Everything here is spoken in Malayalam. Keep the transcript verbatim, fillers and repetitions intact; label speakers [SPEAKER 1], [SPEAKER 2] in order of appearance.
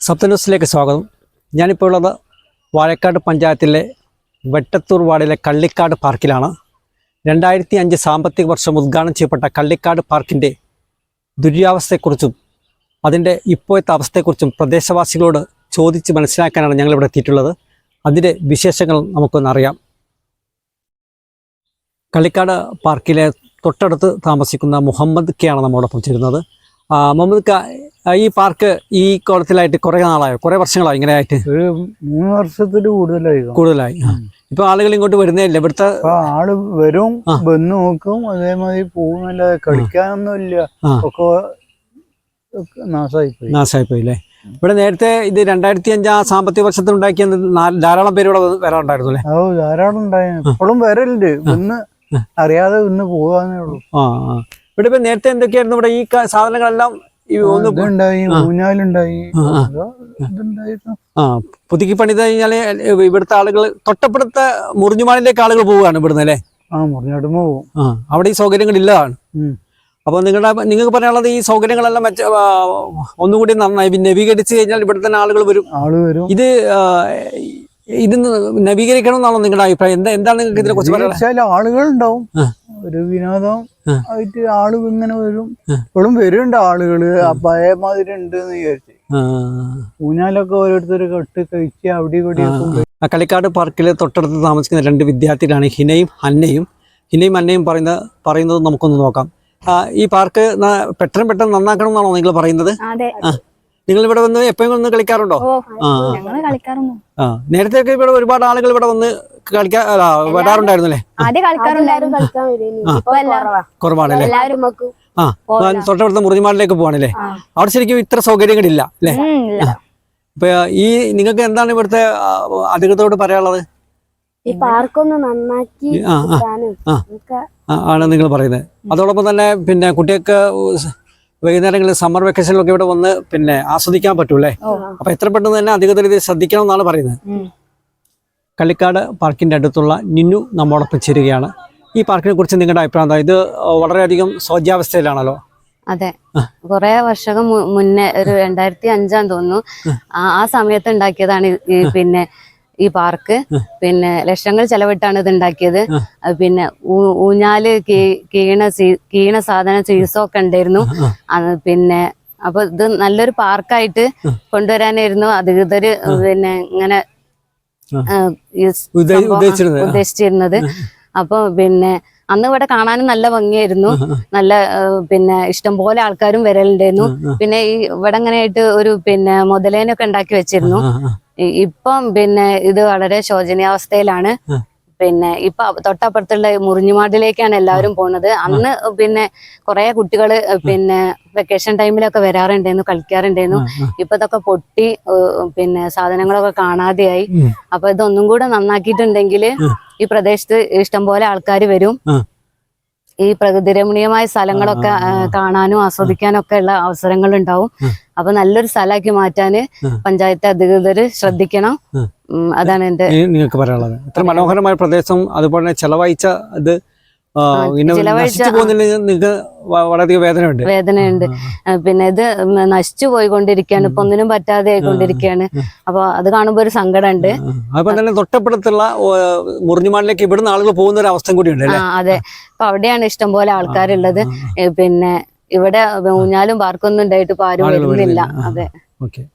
[SPEAKER 1] സപ്ത ന്യൂസിലേക്ക് സ്വാഗതം. ഞാനിപ്പോൾ ഉള്ളത് വാഴക്കാട് പഞ്ചായത്തിലെ വെട്ടത്തൂർ വാർഡിലെ കള്ളിക്കാട് പാർക്കിലാണ്. രണ്ടായിരത്തി അഞ്ച് സാമ്പത്തിക വർഷം ഉദ്ഘാടനം ചെയ്യപ്പെട്ട കള്ളിക്കാട് പാർക്കിൻ്റെ ദുരിതാവസ്ഥയെക്കുറിച്ചും അതിൻ്റെ ഇപ്പോഴത്തെ അവസ്ഥയെക്കുറിച്ചും പ്രദേശവാസികളോട് ചോദിച്ച് മനസ്സിലാക്കാനാണ് ഞങ്ങളിവിടെ എത്തിയിട്ടുള്ളത്. അതിൻ്റെ വിശേഷങ്ങൾ നമുക്കൊന്നറിയാം. കള്ളിക്കാട് പാർക്കിലെ തൊട്ടടുത്ത് താമസിക്കുന്ന മുഹമ്മദ് കെ ആണ് നമ്മോടൊപ്പം ചേരുന്നത്. മുഹമ്മദ് ക, ഈ പാർക്ക് ഈ കോളത്തിലായിട്ട് കുറെ നാളായോ, കുറെ വർഷങ്ങളായി ഇങ്ങനെ ആയിട്ട്?
[SPEAKER 2] ഒരു മൂന്ന് വർഷത്തിൽ കൂടുതലായി
[SPEAKER 1] കൂടുതലായി ഇപ്പൊ ആളുകൾ ഇങ്ങോട്ട് വരുന്നേ ഇല്ല. ഇവിടുത്തെ
[SPEAKER 2] ആള് വരും, വന്ന് നോക്കും, അതേമാതിരി പോകുന്നല്ലാതെ കളിക്കാനൊന്നും ഇല്ല, ഒക്കെ നാശമായിപ്പോയി
[SPEAKER 1] നാശമായിപ്പോയി അല്ലേ? ഇവിടെ നേരത്തെ ഇത് രണ്ടായിരത്തി അഞ്ചാം സാമ്പത്തിക വർഷത്തിൽ ഉണ്ടാക്കിയ ധാരാളം പേര് ഇവിടെ വരാറുണ്ടായിരുന്നു അല്ലേ?
[SPEAKER 2] ഓ ധാരാളം ഉണ്ടായിരുന്നു, ഇപ്പോഴും വരലുണ്ട്, ഇന്ന് അറിയാതെ ഇന്ന് പോകാന്നേ ഉള്ളൂ.
[SPEAKER 1] ആ ഇവിടെ ഇപ്പൊ നേരത്തെ എന്തൊക്കെയായിരുന്നു ഇവിടെ ഈ സാധനങ്ങളെല്ലാം?
[SPEAKER 2] ഇതുണ്ടായി, ഊഞ്ഞാലുണ്ടായി, ഇതുണ്ടായിരുന്നു.
[SPEAKER 1] ആ പുതുക്കി പണിത് കഴിഞ്ഞാല് ഇവിടുത്തെ ആളുകൾ തൊട്ടപ്പുറത്തെ മുറിഞ്ഞുമാളിലേക്ക് ആളുകൾ പോവുകയാണ് ഇവിടുന്ന് അല്ലേ?
[SPEAKER 2] ആ മുറിഞ്ഞാടുമ്പോ പോകും.
[SPEAKER 1] ആ അവിടെ ഈ സൗകര്യങ്ങൾ ഇല്ലതാണ്. അപ്പൊ നിങ്ങളുടെ നിങ്ങൾക്ക് പറയാനുള്ളത് ഈ സൗകര്യങ്ങളെല്ലാം മെച്ച ഒന്നുകൂടി നന്നായി നവീകരിച്ച് കഴിഞ്ഞാൽ ഇവിടെ തന്നെ ആളുകൾ വരും.
[SPEAKER 2] ആള് വരും.
[SPEAKER 1] ഇത് ഇത് നവീകരിക്കണം എന്നാണോ നിങ്ങളുടെ അഭിപ്രായം? എന്താ എന്താണ് നിങ്ങൾക്ക് ഇതിനെ കുറിച്ച്
[SPEAKER 2] പറയാൻ? ആളുകൾ ഉണ്ടാവും, ഒരു വിനോദം ആയിട്ട് ആള് ഇങ്ങനെ വരും, ഇപ്പോഴും വരുന്നുണ്ട് ആളുകള്, പഴയ മാതിരി ഉണ്ട് എന്ന് വിചാരിച്ചു. ഊഞ്ഞാലൊക്കെ ഓരോരുത്തർ കെട്ട് കഴിച്ച് അവിടെ ഇവിടെ.
[SPEAKER 1] കള്ളിക്കാട് പാർക്കിൽ തൊട്ടടുത്ത് താമസിക്കുന്ന രണ്ട് വിദ്യാർത്ഥികളാണ് ഹിനയും അന്നയും. ഹിനയും അന്നയും പറയുന്ന പറയുന്നത് നമുക്കൊന്ന് നോക്കാം. ഈ പാർക്ക് പെട്ടെന്ന് പെട്ടെന്ന് നന്നാക്കണം എന്നാണോ നിങ്ങൾ പറയുന്നത്? നിങ്ങൾ ഇവിടെ വന്ന് എപ്പോഴും വന്ന് കളിക്കാറുണ്ടോ? ആ നേരത്തെ ഒക്കെ ഇവിടെ ഒരുപാട് ആളുകൾ ഇവിടെ വന്ന് കളിക്കാൻ വരാറുണ്ടായിരുന്നല്ലേ? കുറവാണല്ലേ? ആ തൊട്ടടുത്ത മുറിഞ്ഞുമാളിലേക്ക് പോവാണല്ലേ? അവിടെ ശരിക്കും ഇത്ര സൗകര്യങ്ങളില്ല അല്ലേ? ഇപ്പൊ ഈ നിങ്ങൾക്ക് എന്താണ് ഇവിടുത്തെ അധികൃതരോട് പറയാനുള്ളത്?
[SPEAKER 3] ഈ പാർക്കൊന്ന് നന്നാക്കി
[SPEAKER 1] ആണ് നിങ്ങൾ പറയുന്നത്. അതോടൊപ്പം തന്നെ പിന്നെ കുട്ടികൾക്ക് വൈകുന്നേരങ്ങളിൽ സമ്മർ വെക്കേഷനിലൊക്കെ ഇവിടെ വന്ന് പിന്നെ ആസ്വദിക്കാൻ പറ്റൂല്ലേ? അപ്പൊ എത്ര പെട്ടെന്ന് തന്നെ അധികൃതർ ഇത് ശ്രദ്ധിക്കണം എന്നാണ് പറയുന്നത്. കള്ളിക്കാട് പാർക്കിന്റെ അടുത്തുള്ള നിന്നു നമ്മോടൊപ്പം ചേരുകയാണ്. ഈ പാർക്കിനെ കുറിച്ച് നിങ്ങളുടെ അഭിപ്രായം എന്താ? ഇത് വളരെയധികം ശോച്യാവസ്ഥയിലാണല്ലോ.
[SPEAKER 4] അതെ, കുറെ വർഷം മുന്നേ ഒരു രണ്ടായിരത്തി അഞ്ചാന്ന് തോന്നുന്നു ആ സമയത്ത് ഉണ്ടാക്കിയതാണ് ഈ പിന്നെ ഈ പാർക്ക്. പിന്നെ ലക്ഷങ്ങൾ ചെലവിട്ടാണ് ഇത് ഉണ്ടാക്കിയത്. പിന്നെ ഊഞ്ഞാല് കീണ കീണ സാധന സീസൊക്കെ ഉണ്ടായിരുന്നു. പിന്നെ അപ്പൊ ഇത് നല്ലൊരു പാർക്കായിട്ട് കൊണ്ടുവരാനായിരുന്നു അധികൃതര് പിന്നെ ഇങ്ങനെ ഉദ്ദേശിച്ചിരുന്നത്. അപ്പൊ പിന്നെ അന്ന് ഇവിടെ കാണാനും നല്ല ഭംഗിയായിരുന്നു, നല്ല പിന്നെ ഇഷ്ടംപോലെ ആൾക്കാരും വരലുണ്ടായിരുന്നു. പിന്നെ ഈ ഇവിടെ ഇങ്ങനെ ആയിട്ട് ഒരു പിന്നെ മുതലേനൊക്കെ ഉണ്ടാക്കി വെച്ചിരുന്നു. ഇപ്പം പിന്നെ ഇത് വളരെ ശോചനീയാവസ്ഥയിലാണ്. പിന്നെ ഇപ്പൊ തൊട്ടപ്പുറത്തുള്ള മുറിഞ്ഞുമാടിലേക്കാണ് എല്ലാവരും പോണത്. അന്ന് പിന്നെ കുറെ കുട്ടികള് പിന്നെ വെക്കേഷൻ ടൈമിലൊക്കെ വരാറുണ്ടായിരുന്നു, കളിക്കാറുണ്ടായിരുന്നു. ഇപ്പൊ ഇതൊക്കെ പൊട്ടി പിന്നെ സാധനങ്ങളൊക്കെ കാണാതെയായി. അപ്പൊ ഇതൊന്നും കൂടെ നന്നാക്കിയിട്ടുണ്ടെങ്കിൽ ഈ പ്രദേശത്ത് ഇഷ്ടംപോലെ ആൾക്കാർ വരും. ഈ പ്രകൃതി രമണീയമായ സ്ഥലങ്ങളൊക്കെ കാണാനും ആസ്വദിക്കാനും ഒക്കെ ഉള്ള അവസരങ്ങൾ ഉണ്ടാവും. അപ്പൊ നല്ലൊരു സ്ഥലമാക്കി മാറ്റാന് പഞ്ചായത്ത് അധികൃതര് ശ്രദ്ധിക്കണം. അതാണ് എന്റെ
[SPEAKER 1] നിങ്ങൾക്ക് പറയാനുള്ളത്. ഇത്ര മനോഹരമായ പ്രദേശം അതുപോലെ ചെലവഴിച്ച ഇത് നിങ്ങൾക്ക് വളരെയധികം വേദനയുണ്ട്
[SPEAKER 4] വേദനയുണ്ട് പിന്നെ ഇത് നശിച്ചു പോയിക്കൊണ്ടിരിക്കുകയാണ്, ഇപ്പൊ ഒന്നിനും പറ്റാതെ ആയിക്കൊണ്ടിരിക്കുകയാണ്. അപ്പൊ അത് കാണുമ്പോ ഒരു സങ്കടമുണ്ട്.
[SPEAKER 1] അപ്പൊ തന്നെ തൊട്ടപ്പുറത്തുള്ള മുറിഞ്ഞുമാളിലേക്ക് ഇവിടുന്ന് ആളുകൾ പോകുന്ന ഒരു അവസ്ഥ കൂടിയുണ്ട്.
[SPEAKER 4] അതെ, അപ്പൊ അവിടെയാണ് ഇഷ്ടംപോലെ ആൾക്കാരുള്ളത്. പിന്നെ ഇവിടെ ഊഞ്ഞാലും പാർക്കൊന്നും ഉണ്ടായിട്ട് ഇപ്പൊ ആരും വരുന്നില്ല. അതെ.
[SPEAKER 1] ഓക്കെ.